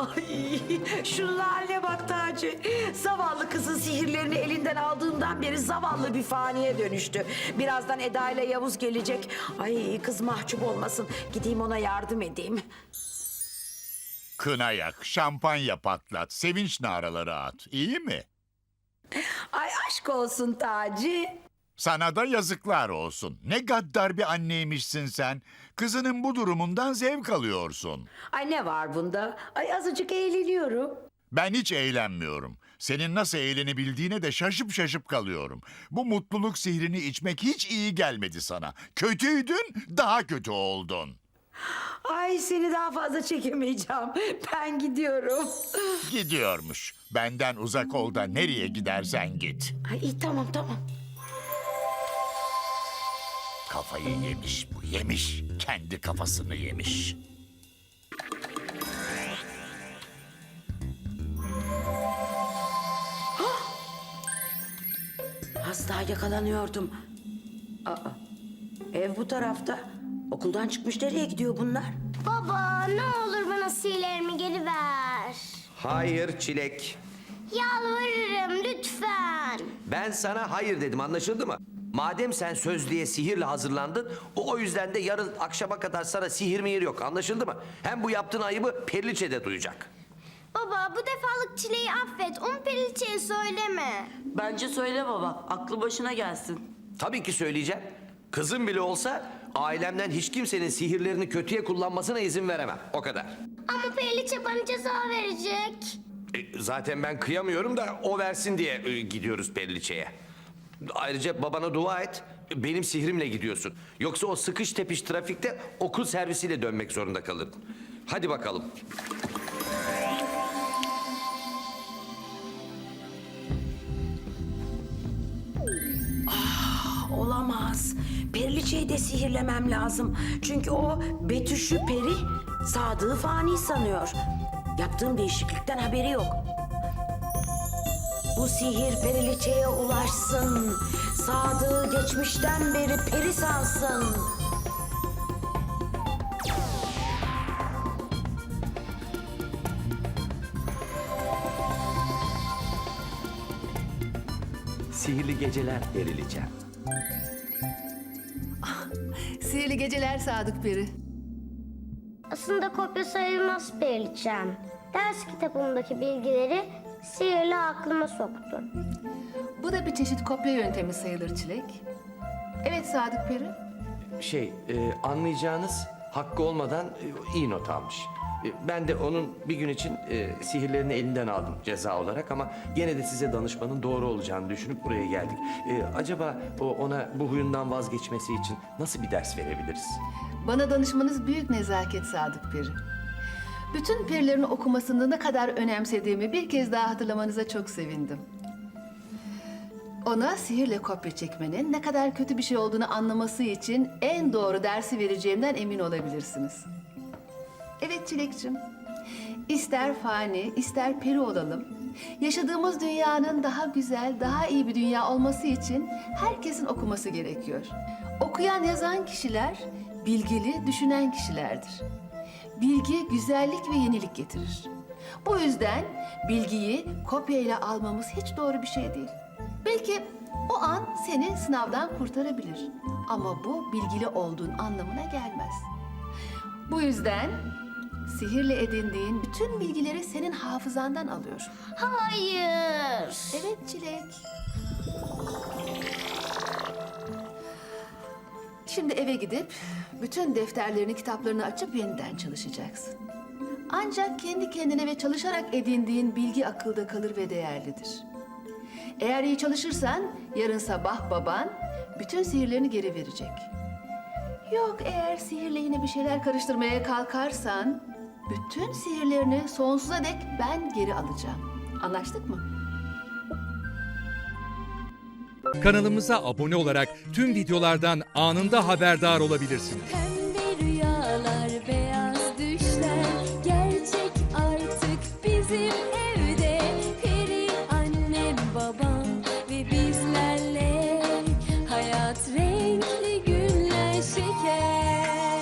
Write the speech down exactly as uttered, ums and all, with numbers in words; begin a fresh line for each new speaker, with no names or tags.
Ay, şu hale bak Taci. Zavallı kızın sihirlerini elinden aldığından beri zavallı bir faniye dönüştü. Birazdan Eda ile Yavuz gelecek. Ay kız mahcup olmasın. Gideyim ona yardım edeyim.
Kına yak, şampanya patlat, sevinç naraları at. İyi mi?
Ay aşk olsun Taci.
Sana da yazıklar olsun. Ne gaddar bir anneymişsin sen. Kızının bu durumundan zevk alıyorsun.
Ay ne var bunda? Ay azıcık eğleniyorum.
Ben hiç eğlenmiyorum. Senin nasıl eğlenebildiğine de şaşıp şaşıp kalıyorum. Bu mutluluk sihrini içmek hiç iyi gelmedi sana. Kötüydün, daha kötü oldun.
Ay seni daha fazla çekemeyeceğim. Ben gidiyorum.
Gidiyormuş. Benden uzak ol da nereye gidersen git.
Ay iyi tamam tamam.
Kafayı yemiş bu, yemiş. Kendi kafasını yemiş.
Az daha yakalanıyordum. Aa, ev bu tarafta. Okuldan çıkmış nereye gidiyor bunlar?
Baba ne olur bana sihirlerimi geri ver.
Hayır Çilek.
Yalvarırım lütfen.
Ben sana hayır dedim, anlaşıldı mı? Madem sen sözlüğe sihirle hazırlandın, o, o yüzden de yarın akşama kadar sana sihir mihir yok, anlaşıldı mı? Hem bu yaptığın ayıbı Periliçe de duyacak.
Baba bu defalık Çile'yi affet. Onu Periliçe'ye söyleme.
Bence söyle baba, aklı başına gelsin.
Tabii ki söyleyeceğim. Kızım bile olsa ailemden hiç kimsenin sihirlerini kötüye kullanmasına izin veremem. O kadar.
Ama Periliçe bana ceza verecek.
E, zaten ben kıyamıyorum da o versin diye e, gidiyoruz Periliçe'ye. Ayrıca babana dua et. Benim sihrimle gidiyorsun. Yoksa o sıkış tepiş trafikte okul servisiyle dönmek zorunda kalırdın. Hadi bakalım.
Olamaz. Periliçeyi de sihirlemem lazım. Çünkü o Betüş'ü peri, Sadık'ı fani sanıyor. Yaptığım değişiklikten haberi yok. Bu sihir Periliçe'ye ulaşsın. Sadık'ı geçmişten beri peri sansın.
Sihirli geceler Periliçe.
Sihirli geceler Sadık Peri.
Aslında kopya sayılmaz Periliçem. Ders kitabımdaki bilgileri sihirle aklıma soktu.
Bu da bir çeşit kopya yöntemi sayılır Çilek. Evet Sadık Peri.
Şey, e, anlayacağınız hakkı olmadan e, iyi not almış. E, ben de onun bir gün için e, sihirlerini elinden aldım ceza olarak ama gene de size danışmanın doğru olacağını düşünüp buraya geldik. E, acaba o ona bu huyundan vazgeçmesi için nasıl bir ders verebiliriz?
Bana danışmanız büyük nezaket Sadık Peri. Bütün perilerin okumasını ne kadar önemsediğimi bir kez daha hatırlamanıza çok sevindim. Ona sihirle kopya çekmenin ne kadar kötü bir şey olduğunu anlaması için en doğru dersi vereceğimden emin olabilirsiniz. Evet Çilekçim, ister fani, ister peri olalım. Yaşadığımız dünyanın daha güzel, daha iyi bir dünya olması için herkesin okuması gerekiyor. Okuyan, yazan kişiler bilgili, düşünen kişilerdir. Bilgi güzellik ve yenilik getirir. Bu yüzden bilgiyi kopyayla almamız hiç doğru bir şey değil. Belki o an seni sınavdan kurtarabilir. Ama bu bilgili olduğun anlamına gelmez. Bu yüzden sihirle edindiğin bütün bilgileri senin hafızandan alıyor.
Hayır.
Evet Çilek. Şimdi eve gidip bütün defterlerini, kitaplarını açıp yeniden çalışacaksın. Ancak kendi kendine ve çalışarak edindiğin bilgi akılda kalır ve değerlidir. Eğer iyi çalışırsan yarın sabah baban bütün sihirlerini geri verecek. Yok eğer sihirle yine bir şeyler karıştırmaya kalkarsan bütün sihirlerini sonsuza dek ben geri alacağım. Anlaştık mı?
Kanalımıza abone olarak tüm videolardan anında haberdar olabilirsiniz.